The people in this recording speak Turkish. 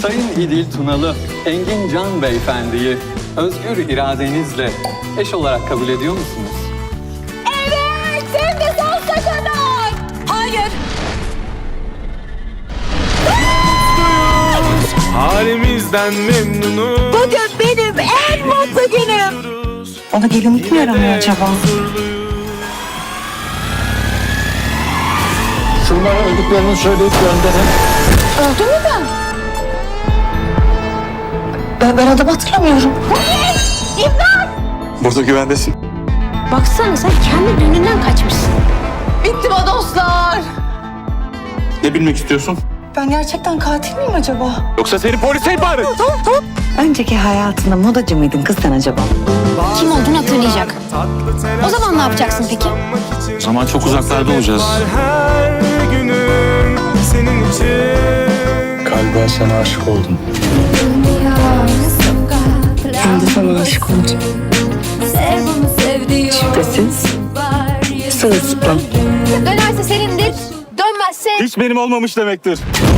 Sayın İdil Tunalı, Engin Can Beyefendi'yi özgür iradenizle eş olarak kabul ediyor musunuz? Evet, hem de sonsuza kadar. Hayır. Halimizden memnunuz. Bugün benim en mutlu günüm. Ona gelinlik mi yaramıyor acaba? Şunlara öldüklerini söyleyip gönderin. Öldü mü ben? Ben adamı hatırlamıyorum. İmdat! Burada güvendesin. Baksana sen kendi düğününden kaçmışsın. Bitti mi dostlar? Ne bilmek istiyorsun? Ben gerçekten katil miyim acaba? Yoksa seni polise ihbar. Önceki hayatında modacı mıydın kız sen acaba? Kim olduğunu hatırlayacak. O zaman ne yapacaksın peki? O zaman çok uzaklarda olacağız. Her günüm senin için. Galiba sana aşık oldum. Ben de sana aşık oldum. Şüphesiz. Sırılsıklam. Dönerse senindir, dönmezse... Hiç benim olmamış demektir.